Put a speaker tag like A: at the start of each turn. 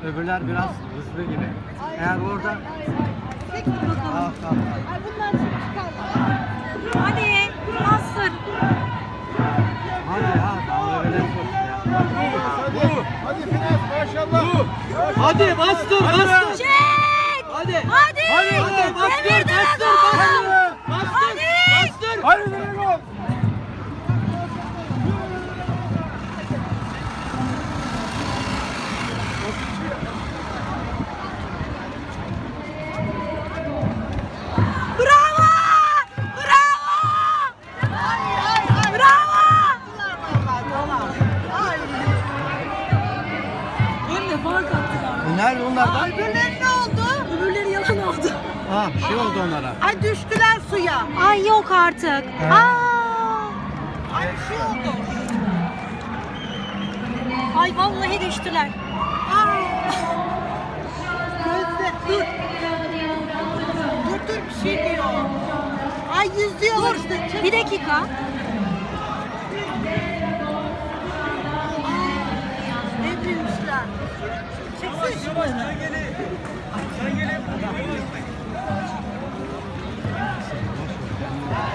A: Öbürler biraz hızlı gibi. Eğer orada... Al.
B: Ay bunlar şimdi çıkarlar.
C: Hadi bastır.
A: Hadi daha öyle çok ya.
D: Hadi Fines maşallah.
A: Hadi bastır.
C: Çek.
A: Hadi.
C: Hadi.
A: Bastır.
C: Demir Dragon. Hadi.
D: Hadi Dragon.
C: Bravo. Bravo. Bravo. Hem de fark attılar.
A: Nerede onlardan?
B: Öbürleri ne oldu?
C: Öbürleri yalan oldu.
A: Ha bir şey oldu onlara.
B: Ay düştüler suya.
C: Ay yok artık.
A: He.
B: Ay bir şey oldu.
C: Ay vallahi düştüler.
B: Gözde dur. Dur bir şey diyor. Ay yüzüyorlar işte. Çek.
C: Bir dakika.
B: Ne büyümüşler. Çeksene şunları.